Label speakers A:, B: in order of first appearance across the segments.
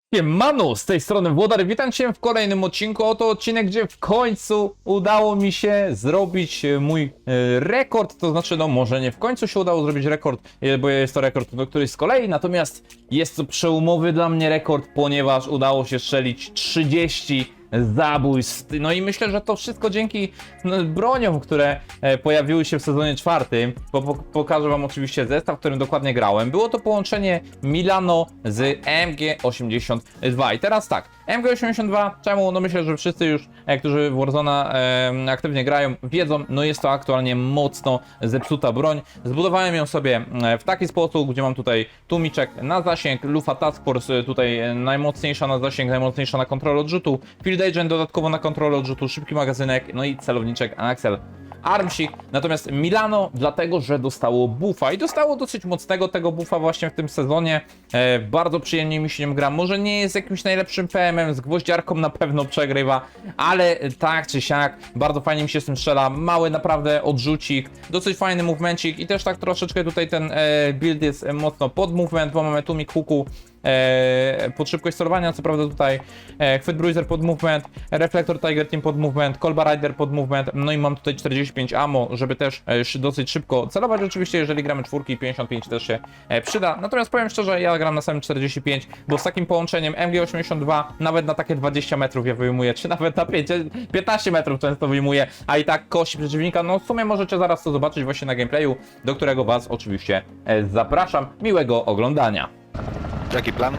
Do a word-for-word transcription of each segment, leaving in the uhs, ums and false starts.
A: Manu, z tej strony Włodar, witam cię w kolejnym odcinku. Oto odcinek, gdzie w końcu udało mi się zrobić mój e, rekord, to znaczy no może nie w końcu się udało zrobić rekord, e, bo jest to rekord do któryś z kolei, natomiast jest to przełomowy dla mnie rekord, ponieważ udało się strzelić trzydzieści zabójstw. No i myślę, że to wszystko dzięki no, broniom, które e, pojawiły się w sezonie czwartym, bo po, pokażę wam oczywiście zestaw, w którym dokładnie grałem. Było to połączenie Milano z M G osiemdziesiąt dwa. I teraz tak, M G osiemdziesiąt dwa, czemu? No myślę, że wszyscy już, e, którzy w Warzone'a e, aktywnie grają, wiedzą, no jest to aktualnie mocno zepsuta broń. Zbudowałem ją sobie e, w taki sposób, gdzie mam tutaj tłumiczek na zasięg, lufa Task Force tutaj e, najmocniejsza na zasięg, najmocniejsza na kontrolę odrzutu, Field Agent dodatkowo na kontrolę odrzutu, szybki magazynek, no i celowniczek Axel Armsik. Natomiast Milano dlatego, że dostało buffa i dostało dosyć mocnego tego buffa właśnie w tym sezonie. E, bardzo przyjemnie mi się nim gra. Może nie jest jakimś najlepszym P M em, z gwoździarką na pewno przegrywa, ale tak czy siak bardzo fajnie mi się z tym strzela. Mały naprawdę odrzucik, dosyć fajny movemencik i też tak troszeczkę tutaj ten e, build jest mocno pod movement, bo mamy tłumik huku e, pod szybkość sterowania, co prawda tutaj e, chwyt bruiser pod movement, reflektor Tiger Team pod movement, kolba rider pod movement, no i mam tutaj czterdzieści pięć ammo, żeby też e, dosyć szybko celować. Oczywiście jeżeli gramy czwórki, pięćdziesiąt pięć też się e, przyda, natomiast powiem szczerze, ja gram na samym czterdzieści pięć, bo z takim połączeniem M G osiemdziesiąt dwa nawet na takie dwadzieścia metrów ja wyjmuję, czy nawet na pięć, piętnaście metrów często wyjmuję, a i tak kości przeciwnika. No w sumie możecie zaraz to zobaczyć właśnie na gameplayu, do którego was oczywiście e, zapraszam. Miłego oglądania.
B: Jaki plan?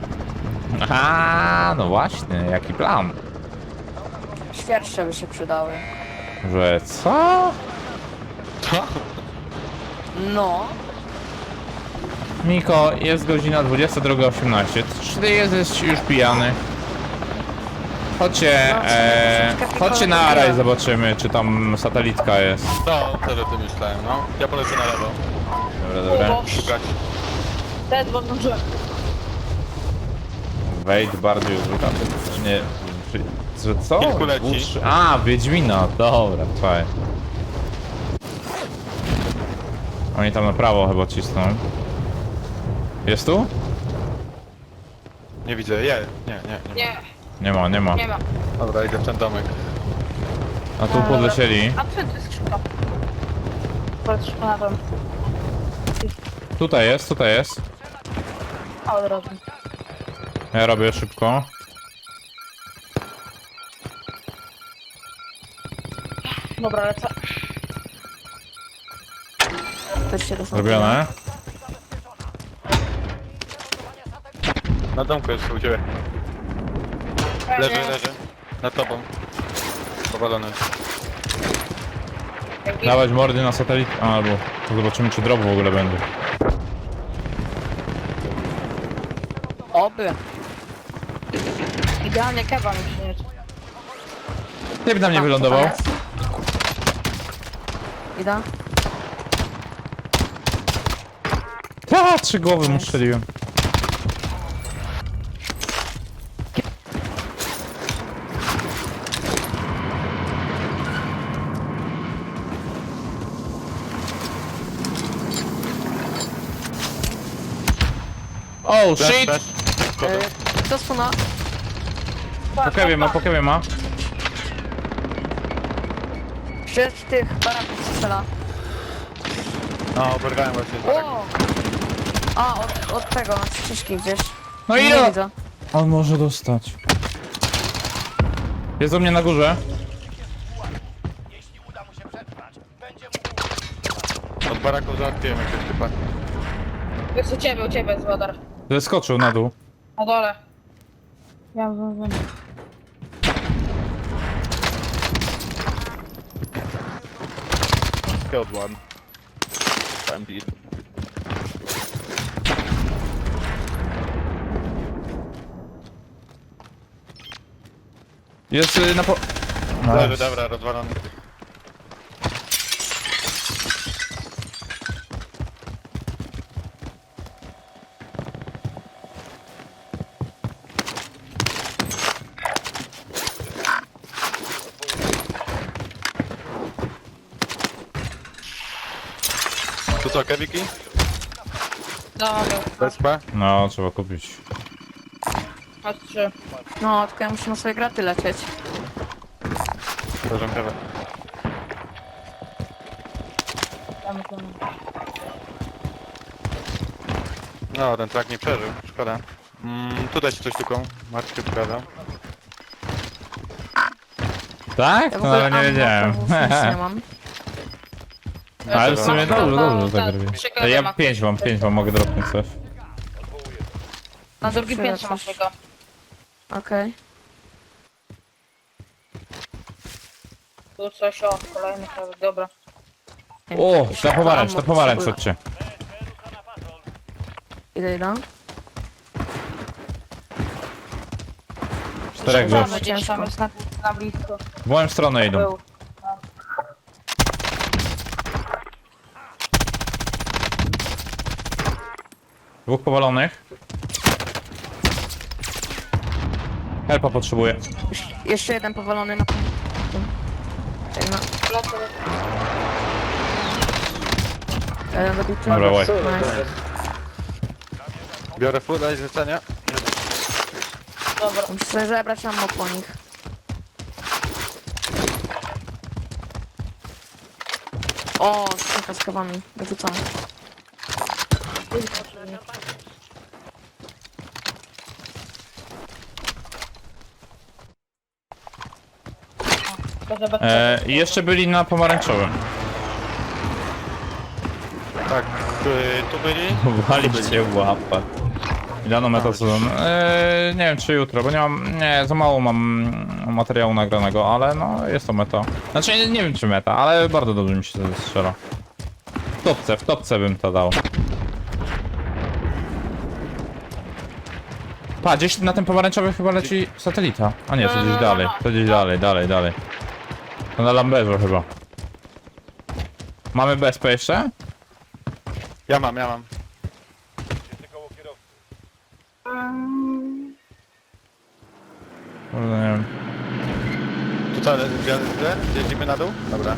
A: Aha, no właśnie, jaki plan?
C: Świerszcze by się przydały.
A: Że co?
B: Co?
C: No.
A: Miko, jest godzina dwudziesta druga osiemnaście. Czy ty jesteś już pijany? Chodźcie,
C: No,
A: e,
C: troszeczkę
A: chodźcie na
C: pikowe
A: Araj,
C: piłem.
A: zobaczymy, czy tam satelitka jest.
B: No, wtedy o tym myślałem, no. Ja polecę na lewo.
A: Dobra, dobra.
B: Szukać.
C: Ten włączyłem.
A: Wejdź bardziej użyta. Nie. Czy, że co?
B: Kilku leci.
A: Dwóch- A, Wiedźmina, dobra, fajnie. Oni tam na prawo chyba cisną. Jest tu?
B: Nie widzę, je. Nie, nie, nie.
C: Nie,
A: Nie ma, nie ma.
C: nie ma.
B: Dobra, idę w ten domek.
A: A tu podlecieli.
C: A przed jest szybko. Patrz na dom.
A: Tutaj jest, tutaj jest.
C: A od razu.
A: Ja robię szybko.
C: Dobra, lecę. Też się dostał.
A: Zrobione.
B: Na domku jest u ciebie. Leży, leży. Nad tobą. Powalony.
A: Dawać mordy na satelit. A, albo to zobaczymy, czy drop w ogóle będzie.
C: Oby. Idealnie kewa mi przynieść.
A: Typ na mnie wylądował.
C: Idę.
A: Ta, trzy głowy mu strzeliłem. Oh
B: Flash,
A: shit!
B: flash. Kogo?
C: Co suna?
A: Pokewie ma, pokewie ma.
C: Przed tych baraków strzela.
B: No, oberwałem właśnie. Tak.
C: O! A, od, od tego, od ścieżki gdzieś.
A: No
C: Nie
A: i no!
C: widzę.
A: On może dostać. Jest u mnie na górze.
B: Od baraku załatwiłem jakiegoś typa.
C: Jest u ciebie, u ciebie jest wodar.
A: Zeskoczył na dół.
C: Na dole. Ja wiem, wiem.
B: Killed one. M P.
A: Jest y, na po...
B: Leży, dobra, rozwalony. To co, kewiki?
C: Dobra.
B: Bezpa?
A: No, trzeba kupić.
D: Masz trzy.
C: No, tylko ja muszę na swoje graty lecieć.
B: Przepraszam, prawa.
D: Damy to.
B: No, ten track nie przeżył, szkoda. Mm, tutaj się coś tylko Marcin pokazał.
A: Tak?
C: Ja w
A: No
C: ogóle
A: ale nie
C: ammo
A: wiedziałem.
C: to nic nie mam.
A: Ale w sumie
B: Dobra.
A: dobrze, dobrze tak robi.
D: Przykro,
A: Ja
D: ma-
A: pięć mam, pięć mam, mogę dropnąć coś.
D: Na drugim
C: Tyle
D: piętrze masz
C: coś.
D: tego.
C: Okej.
D: Tu coś, o, kolejny prawy, dobra.
A: O, ta pomarańcz, ta
C: Ammo
A: pomarańcz,
C: potrzebuję.
A: chodźcie.
C: Idę, idę.
A: Czterech
C: Dobra.
A: gdzieś.
D: Gdzieś tam jest na, na blisko.
A: W moją stronę idą.
D: Był.
A: Dwóch powalonych. Helpa potrzebuję.
C: Jeszcze jeden powalony na tym. Ej, no. Jeden dobity.
A: Dobra, łaj.
C: Nice.
B: Biorę full, daj zlecenia.
D: Dobra.
C: Muszę sobie zebrać ammo po nich. O, kilka z kawami. Wyrzucam.
A: E, i jeszcze byli na pomarańczowym.
B: Tak, tu, tu byli.
A: Waliście łapę. Ilano metasezon? Eee, nie wiem czy jutro, bo nie mam, nie, za mało mam materiału nagranego, ale no jest to meta. Znaczy nie, nie wiem czy meta, ale bardzo dobrze mi się to strzela. W topce, w topce bym to dał. Pa, gdzieś na tym pomarańczowym chyba leci satelita. A nie, to gdzieś dalej, to gdzieś dalej, dalej, dalej. To na Lamberze chyba. Mamy B S P jeszcze?
B: Ja mam, ja mam.
A: Kurde, nie wiem.
B: Tu co, gwiazdę? Jedziemy na dół? Dobra.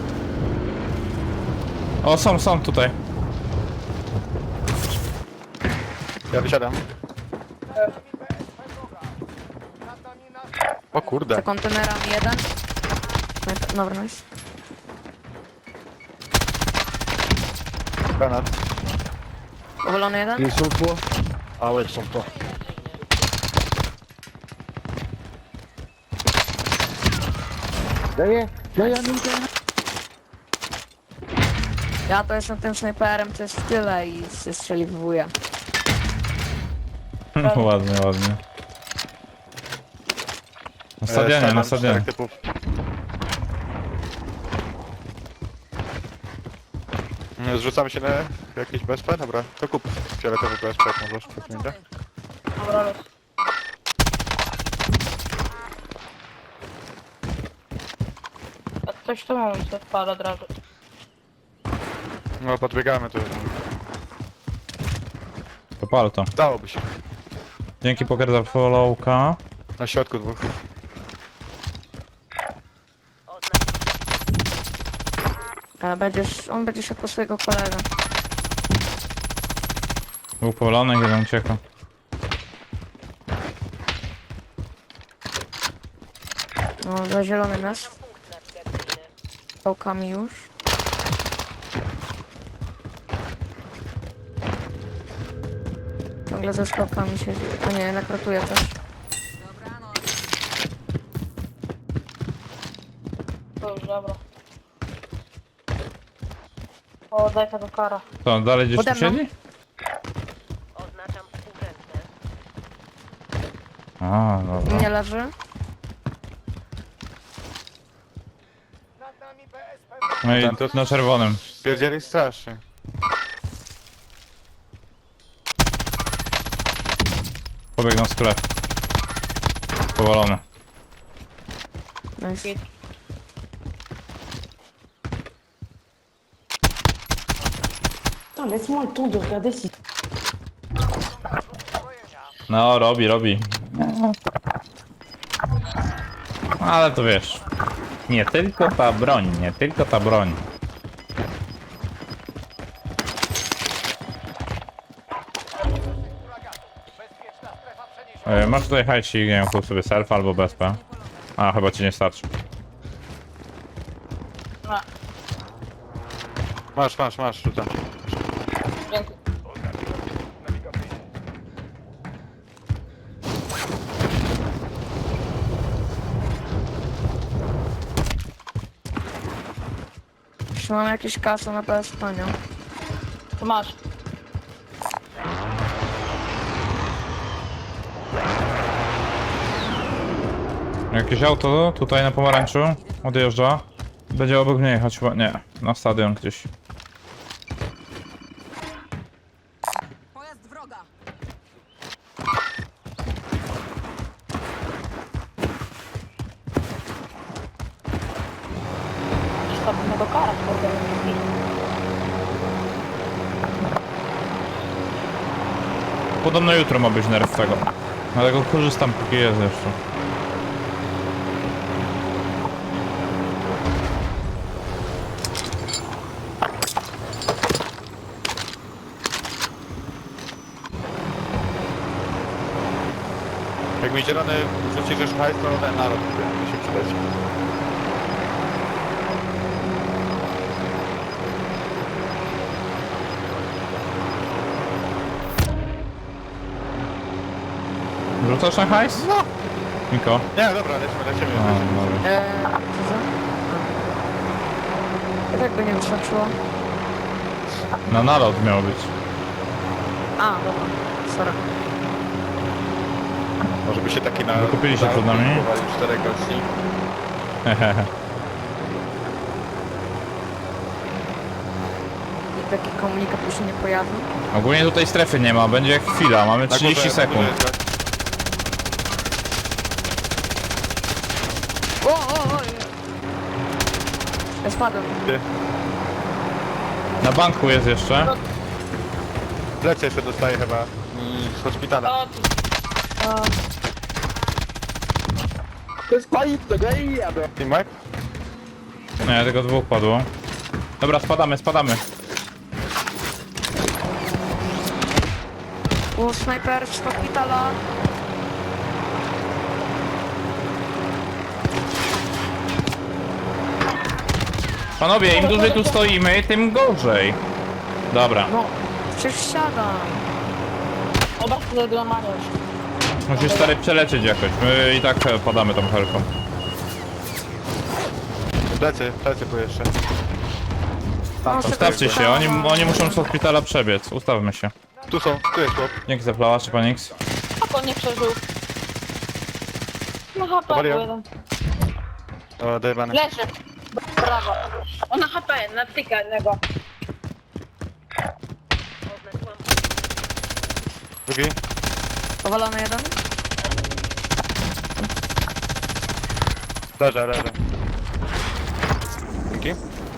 A: O, są, są tutaj.
B: Ja wysiadam. O
C: Za
B: kurde.
C: kontenerami jeden. Dobra, nice.
B: Granat.
C: Powalony jeden.
E: Ils sont quoi? Ah ouais, ils sont pas. Derrière, derrière nous, derrière.
C: Ja to jestem tym snajperem, to jest w tyle i się strzeliwuję.
A: Ładnie, ładnie. Na
B: E,
A: stadionie,
B: stawiam
A: na stadionie.
B: czterech typów. Mm, Zrzucamy się na jakieś B S P? Dobra, to kup fioletowy B S P, jak możesz, to nie da.
D: Dobra, los. A coś tu mam, to wpada od razu.
B: No podbiegamy tu.
A: To pal to.
B: Dałoby się.
A: Dzięki poker za followka.
B: Na środku dwóch.
C: Ale będziesz, on będzie szedł po swojego kolegę.
A: Był powolony, jeden ucieka.
C: No, za zielony nas. Pałkami już. Ciągle ze skałkami siedzi. A nie, jednak ratuje też.
D: To już, dobra. O, daj tego kara.
A: To dalej gdzieś tu
C: Pode mną.
A: siedzi? A, dobra.
C: Nie leży.
A: No i
B: Ten to-
A: na czerwonym.
B: Pierdzieli strasznie.
A: Pobiegną w sklep. Powolony.
C: Nice.
F: Attends, laisse-moi le temps de regarder si...
A: No, robi, robi. Ale to wiesz. Nie tylko ta broń, nie tylko ta broń. E, masz tutaj hajsik, nie wiem, kup sobie self albo B S P. A, chyba ci nie starczy.
D: No,
B: Masz, masz, masz, rzucam.
D: dzięki.
C: Czy mam jakieś kasy na P S P, nie?
D: Tu masz.
A: Jakieś auto tutaj na pomarańczu odjeżdża. Będzie obok mnie jechać chyba. Nie, na stadion gdzieś.
G: Pojazd wroga.
D: Trzeba go karać, kurde.
A: Podobno jutro ma być nerw tego. Dlatego korzystam póki jest jeszcze.
B: Jak mi zielony rzucisz już hajs, to ten naród mi się przydać.
A: Rzucasz na hajs?
B: No.
A: Miko.
B: Nie, dobra, lecimy, lecimy.
A: A,
B: lecimy.
A: dobra.
C: Eee, co za? I tak by nie wystarczyło.
A: Na nalot miał być.
C: A, dobra. Sorry.
B: Może by się taki na...
A: Wykupili się
B: na-
A: przed nami.
B: kupowali czterech gości.
A: Hehehe.
C: I taki komunikat już się nie pojawił.
A: Ogólnie tutaj strefy nie ma, będzie jak chwila, mamy
B: Na
A: trzydzieści
B: górze- na górze
A: sekund.
B: jest gość.
C: O, o, o! Ja spadłem.
B: Ty.
A: Na banku jest jeszcze.
B: Plecy jeszcze dostaje chyba mm, z szpitala.
D: O, tu.
B: Team wipe?
A: Nie, tylko dwóch padło. Dobra, spadamy, spadamy.
C: O, snajper z szpitala.
A: Panowie, im dłużej tu stoimy, tym gorzej. Dobra,
C: No, przecież wsiadam.
D: Oba tutaj dla Mariusz.
A: musisz stary przelecieć jakoś. My i tak e, padamy tą helką.
B: Plecy, plecy tu jeszcze.
C: No,
A: Ustawcie się, oni, oni muszą z hospitala przebiec. Ustawmy się.
B: Tu są, tu jest chłop.
A: Dzięki za plała, czy pan X?
D: A on nie przeżył. Na H P
B: Powaliłem.
D: jeden.
B: O, dojebany.
D: Leży. Brawo. On na H P, na tyka jednego.
B: Drugi.
C: Powalony jeden.
B: Leżę, leżę. Dzięki.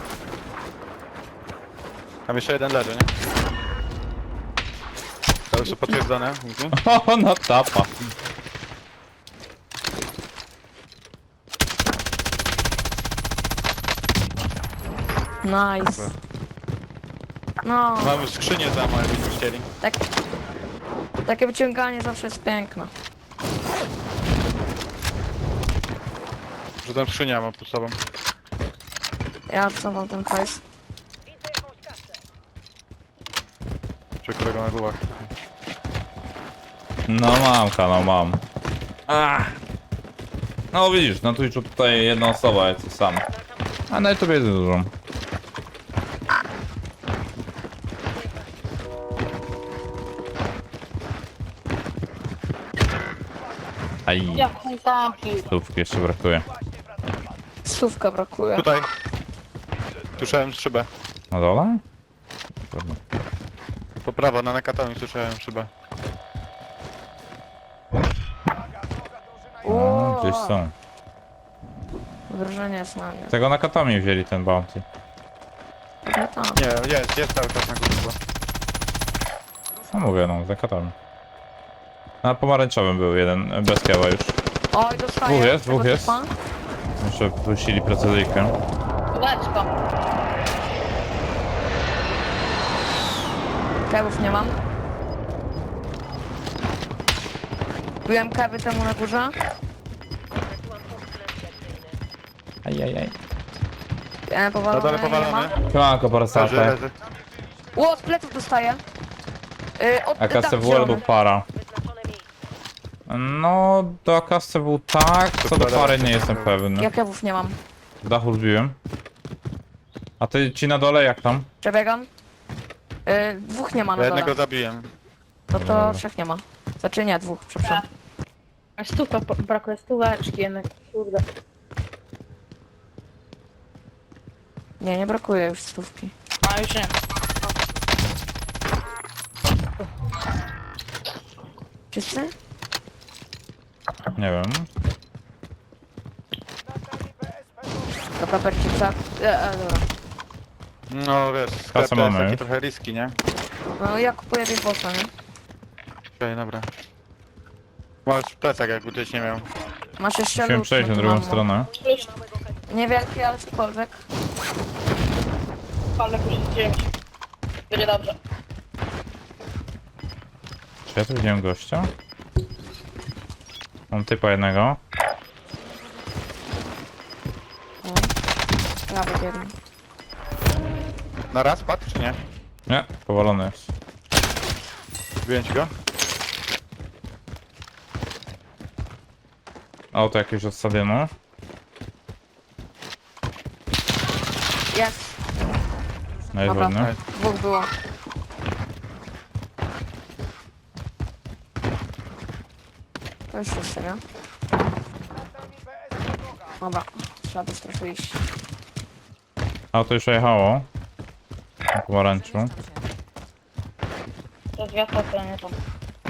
B: Tam jeszcze jeden leży, nie? To już potwierdzone. Dzięki.
A: O, no tapa.
C: Nice. No,
B: Mamy skrzynię za małe, jakbyśmy chcieli.
C: tak. Takie wyciąganie zawsze jest piękne.
B: Że tam skrzynia mam pod sobą.
C: Ja co mam ten hajs.
B: Czy kolego na głowach.
A: No mamka, no mam. Ach. No widzisz, na Twitchu tutaj jedna osoba jest sam. A na YouTube jest dużo. Aj,
D: Jak tam
A: stówki jeszcze brakuje.
C: Słówka brakuje.
B: Tutaj. Słyszałem szybę.
A: Na dole? Dobra.
B: Po prawo, na nakatomi słyszałem szybę.
A: No, gdzieś są.
C: Wrażenie jest na mnie.
A: Tego na Katomi wzięli ten bounty.
C: Nie tam.
B: Nie, jest, jest cały czas na górze.
A: No mówię, no, za Katomi. Na pomarańczowym był jeden, bez kieła już.
C: Oj, dostaję.
A: Dwóch jest,
C: Tego
A: dwóch jest.
C: typa.
A: Jeszcze puścili precyzyjkę.
D: Leczko.
C: Kebów nie mam. Kupiłem kawy temu na górze.
A: Ajajaj.
C: Ja
B: Na
C: powalony,
B: dole
C: nie ma.
B: powalony.
A: Siemanko,
B: Leży,
A: Parasate.
B: leży.
C: Ło, z pleców dostaję. Yy, od,
A: A K C W
C: zielony.
A: albo para? No, do A K C W tak, co do pary nie jestem pewny.
C: Ja kewów nie mam.
A: Z dachu zbiłem. A ty ci na dole jak tam?
C: Przebiegam. Yy, dwóch nie ma na
B: Ja
C: dole.
B: jednego zabiłem.
C: No to trzech nie ma. Znaczy nie, dwóch, przepraszam.
D: A stówka, po- brakuje stóweczki jednak, kurde.
C: Nie, nie brakuje już stówki.
D: A już nie.
C: Wszyscy?
A: Nie wiem.
C: Dobra, percica. E, e, dobra.
B: No wiesz, sklep
A: Kasę
B: to
A: mamy
B: jest taki
A: już.
B: trochę riski, nie?
C: No ja kupuję Big Bossa, nie?
B: Okej, dobra. Masz plecak jakby gdzieś nie miał.
C: Masz jeszcze
A: Musimy
C: lód,
A: przejść
C: no
A: na
C: to
A: drugą
C: mam.
A: stronę.
D: Plus,
C: Niewielki, ale cokolwiek.
D: ale plus dziewięć. Będzie dobrze.
A: Czy ja tu widziałem gościa? Mam typa jednego.
C: No. Prawie jeden.
B: Na raz padł czy nie?
A: Nie, powalony jest.
B: Zbiłem ci go?
A: Auto jakieś od stadionu.
C: Jest.
A: No jest
C: Dobra.
A: ładny.
C: Dwóch było. To już wszyscy, nie? Dobra. Trzeba by trochę iść.
A: Auto już jechało. Na pomarańczu.
D: To jest wiatr, to nie to.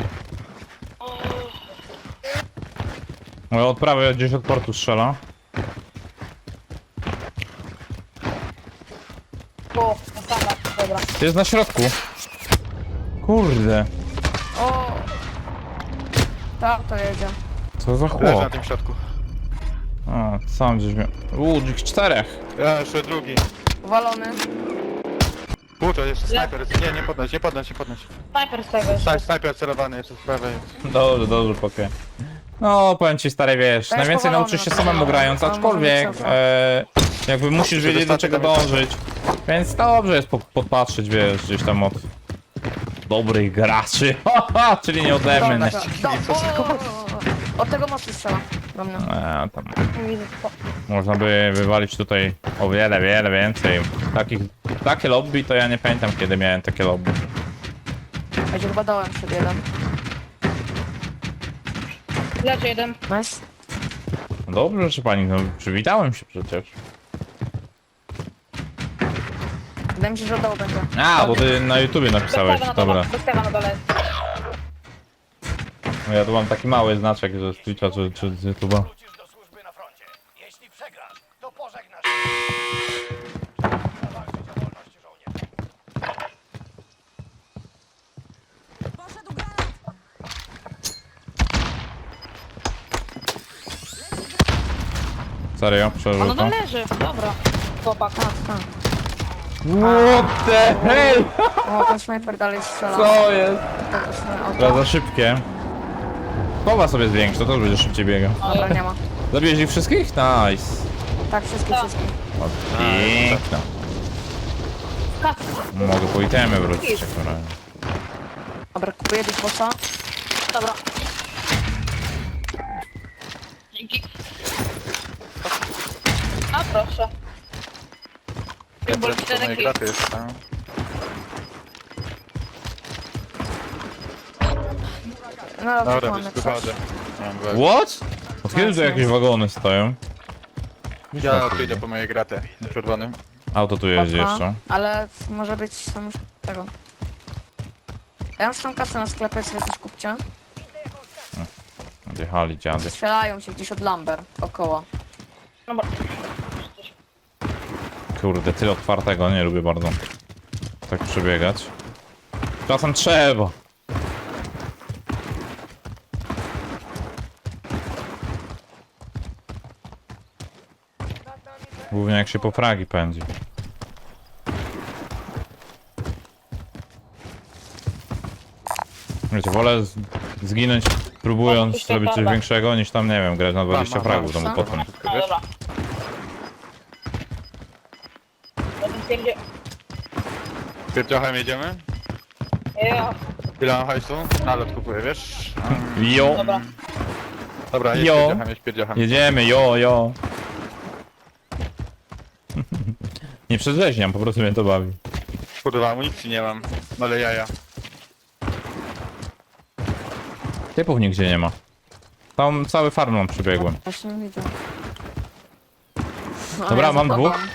A: No od prawej gdzieś od portu strzela.
D: O, sama, dobra.
A: Jest na środku. Kurde.
C: O! Tak, to jedzie.
A: Co za
B: Leży na
A: chłop.
B: tym środku.
A: O, sam gdzieś miał. Uuu, ich czterech.
B: Ja jeszcze drugi.
C: Uwalony.
B: Pół to jeszcze snajper jest. Nie, nie podnoś, nie podnoś, nie podnoś.
D: Snajper z tego jest.
B: Snaj, snajper celowany jeszcze z prawej.
A: Dobrze, dobrze, pokej. No, powiem ci stary, wiesz,
C: To jest
A: najwięcej
C: powalony
A: nauczysz się
C: na
A: samemu
C: pewno.
A: grając,
C: Ale
A: aczkolwiek
C: może być
A: e, jakby musisz wiedzieć do czego dążyć. Więc dobrze jest po, podpatrzeć, wiesz, gdzieś tam od dobrych graczy, haha, czyli nie ode mnie.
C: Dobra, do, o, o, o, od tego mostu strzela. Do mnie.
A: E, tam
D: Widzę, to.
A: można by wywalić tutaj o wiele, wiele więcej. Takich, takie lobby to ja nie pamiętam kiedy miałem takie lobby.
C: Ja się chyba dałem przed jeden.
D: Leży jeden.
C: Nice.
A: No dobrze, proszę pani, no przywitałem się przecież.
C: Wydaje mi się, że oddał będzie.
A: A, bo ty na YouTubie napisałeś,
D: Bez na
A: dobra.
D: dole. Bez tego na dole.
A: No ja tu mam taki mały znaczek, że z Twitcha czy, czy z YouTube'a.
G: Wrócisz do służby na froncie. Jeśli przegrasz, to pożegnasz. Zawalczyć o wolność żołnierza.
A: Serio,
D: A no
A: przeżył
D: to
A: to.
D: leży. Dobra. Chłopak.
C: Tak, tak.
A: What the hell?
C: O, ten snajper dalej strzela.
A: Co jest?
C: To też nie auto.
A: Teraz za szybkie. Powa sobie zwiększ, to też będzie szybciej biegał.
C: Dobra, nie ma.
A: Zabiłeś ich wszystkich? Nice.
C: Tak, wszystkie,
D: Tak.
C: wszystkie.
A: O, piękna.
D: Kasy.
A: Mogę po itemy wrócić jak na razie.
C: Dobra, kupuję Big Bossa.
D: Dobra. Dzięki. A proszę. Symbol
B: To moje
D: czterech.
B: graty jest, no.
C: No,
B: Dobra,
C: mamy
B: wiesz,
C: coś.
B: wychodzę. Nie mam
A: What? Od kiedy tu jakieś wagony stoją?
B: Ja tu idę po moje graty na czerwonym.
A: Auto tu jeździ
C: Aha,
A: jeszcze.
C: ale może być tam już tego. Ja mam tą kasę na sklepie, sobie coś kupcie.
A: Odjechali dziady.
C: Strzelają się gdzieś od Lumber, około.
D: Dobra.
A: Kurde, tyle otwartego, nie lubię bardzo. Tak przebiegać. Czasem trzeba. Głównie jak się po fragi pędzi. Wiecie, wolę z- zginąć próbując
D: Opuść
A: zrobić coś
D: torba.
A: większego niż tam, nie wiem, grać na dwadzieścia
B: mam,
A: fragów w
B: mam.
A: domu
C: Co?
A: potem.
D: No dobra. Jeden pierdzie...
B: Pierdziochem jedziemy?
D: Ja.
B: Ile mam hajsu? Nalot kupuję, wiesz?
A: Jo,
D: Dobra.
B: Dobra, jedź
A: Jo.
B: pierdziochem, jedź pierdziochem.
A: jedziemy, jo, jo. Nie przedrzeźniam, po prostu mnie to bawi.
B: Kurwa, amunicji nie mam. No ale jaja.
A: Typów nigdzie nie ma. Tam cały farmą przybiegłem.
C: Właśnie nie widzę. No,
A: Dobra,
C: ja
A: mam
C: za tobą.
A: dwóch.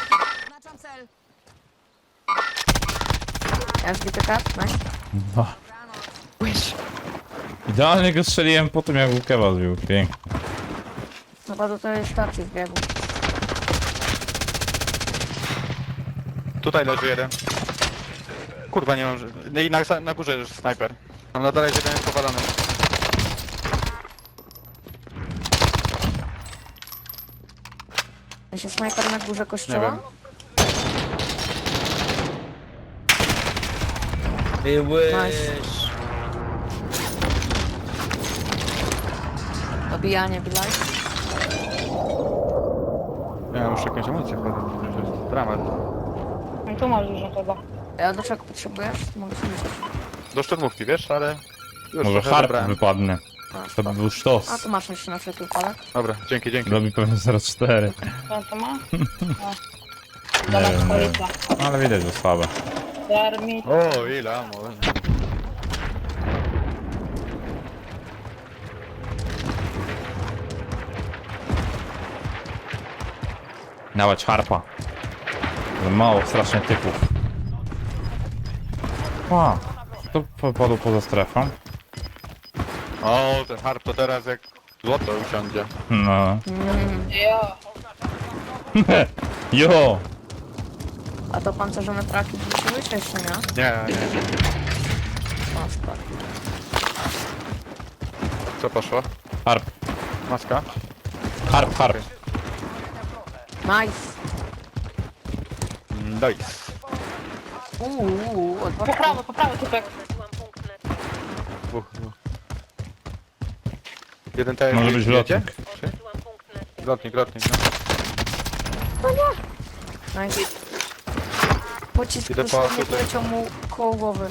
C: Ja już bity kat, nice.
A: Idealnie go strzeliłem po tym, jak Łukewa zbił. Pięknie.
C: Chyba do tej stacji zbiegł.
B: Tutaj leży jeden. Kurwa, nie mam... ży- No i na, na górze jest snajper. Mam na dole jeden jest powalony.
C: Ja się snajper na górze
B: Nie
C: kościoła.
B: wiem.
C: Nice. Dobijanie, bilaj.
B: Ja muszę jakąś amunicję wkładać. To jest dramat.
D: No tu masz dużo chyba.
C: Ja do czego potrzebujesz? Mogę sobie wziąć.
B: Do szturmówki, wiesz, ale... Już
A: Może
B: trochę
A: harp
B: zabrałem.
A: wypadnie.
C: A,
A: To by był
C: A
A: sztos.
C: tu masz jeszcze na wszelki wypadek.
B: Dobra, dzięki, dzięki.
A: Robi pewnie zero cztery.
D: Co to ma?
A: Nie
D: Dobra,
A: wiem, nie wiem.
D: stolica.
A: No, ale widać, że słabe.
D: Termit.
B: O, ile amo.
A: Dawać harpa. Za mało strasznie typów. A, to popadł poza strefą.
B: O, ten harp to teraz jak złoto usiądzie.
A: No.
C: Mm.
D: Ja.
A: Jo!
C: A to pancerzone traki wróciły czy jeszcze nie?
B: Nie, nie.
C: O, spoko.
B: Co poszło?
A: Harp,
B: Maska?
A: harp, harp.
C: Nice.
B: Nice.
C: Uuu, uuu,
D: Po
C: odwrotnie.
D: prawo, po prawo typek.
B: Dwóch, dwóch. Jeden to jest...
A: Może być lotnik.
B: Lotnik, lotnik, no.
C: Nice. Pocisk
B: Idę po
C: dosłownie
B: tutaj.
C: poleciał mu koło głowy.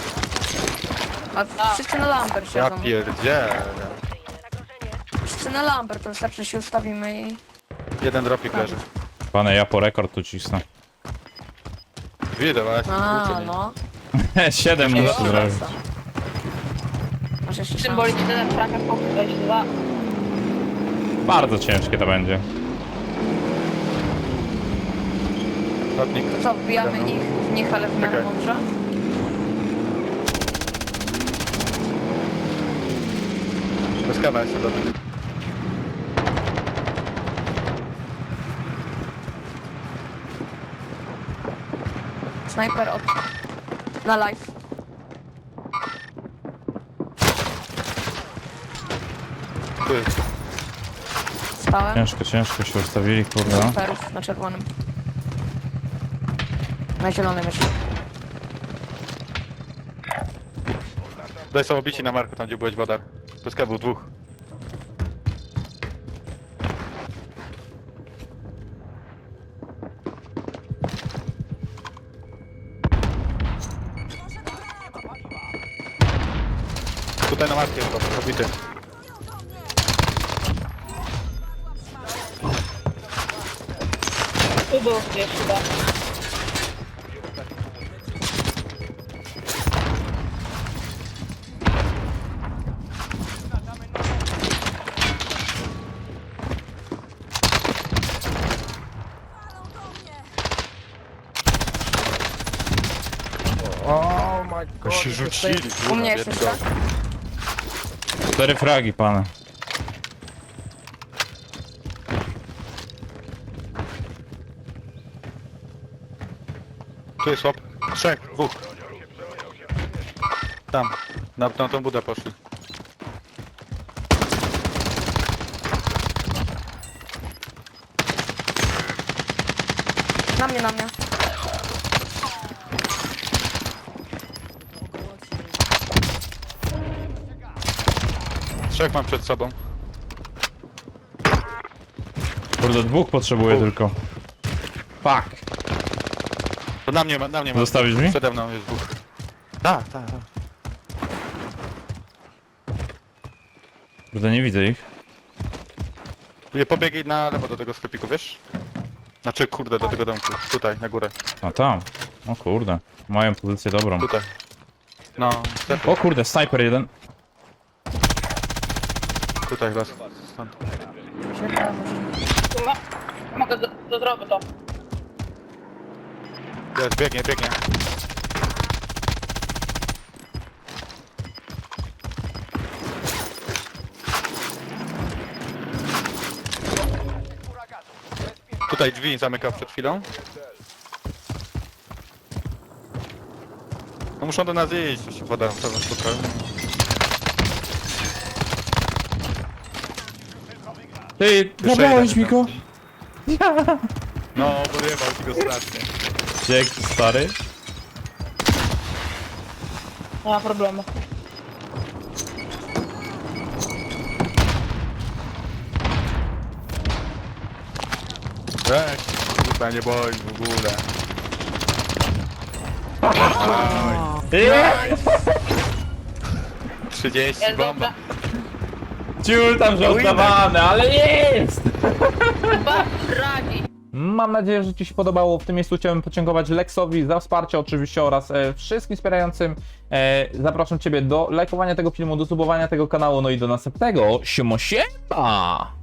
C: A wszyscy na Lambert
B: Ja
C: siedzą.
B: pierdzielę.
C: Wszyscy na Lambert, to wystarczy się ustawimy i...
B: Jeden dropik leży.
A: Pane, ja po rekord tu cisnę.
B: Widzę, ale ja się
C: A,
B: skrócę, nie?
C: no.
A: Siedem
C: Ej,
A: muszę
C: o,
A: zrobić.
C: rasa. Masz jeszcze szansę.
D: Symbolicznie ten traka wejść dwa.
A: Bardzo ciężkie to będzie.
B: Lotnik.
C: To co, wbijamy
B: Dobra.
C: ich w nich, ale w miarę
B: Czekaj.
C: mądrze?
B: Bez kawa jest lotnik.
C: Snajper od... Na live.
B: Tu jest.
C: Stałem.
A: Ciężko, ciężko się ustawili, kurde.
C: Snajperów na czerwonym. Na zielonym jeszcze.
B: Daj są obici na marku, tam gdzie byłeś wodar. Bez kawu dwóch. Tutaj na marku jest to, obity.
D: Tu był gdzieś chyba.
E: Oh my god.
B: Się rzucili,
C: U mnie jeszcze
B: kurwa,
C: tak?
A: Cztery fragi, pane.
B: Tu jest łop. Trzech, dwóch. Tam, na, na tą budę poszli.
C: Na mnie, na mnie.
B: Trzech mam przed sobą.
A: Kurde, dwóch potrzebuję
B: Dwóch.
A: tylko. Fuck.
B: To na mnie ma, na mnie ma.
A: Zostawisz mi?
B: Przede mną jest dwóch. Tak, tak, tak.
A: Kurde, nie widzę ich.
B: Nie pobiegaj na lewo do tego sklepiku, wiesz? Znaczy, kurde, do tego domku. Tutaj, na górę.
A: A tam. O kurde. Mają pozycję dobrą.
B: Tutaj. No,
A: O kurde, sniper jeden.
B: tutaj was. Stąd.
D: Tu ma... Mogę do, do drogi to.
B: Jest, biegnie, biegnie. Tutaj drzwi zamykał przed chwilą. No muszą do nas iść, to się woda pewno spotkała.
A: Ty, zabrałeś mi go?
B: No, podjebał ci go strasznie.
A: Dzięki, stary.
D: Nie ma problemu.
B: Weź, kurwa, nie boi w ogóle. trzydzieści
D: Jest
B: bomba.
D: dobrze.
A: Ciul tam żartowany, ale jest!
D: Chyba radzi.
A: Mam nadzieję, że Ci się podobało. W tym miejscu chciałbym podziękować Lexowi za wsparcie oczywiście oraz e, wszystkim wspierającym. E, zapraszam Ciebie do lajkowania tego filmu, do subowania tego kanału, no i do następnego. Siemo siema!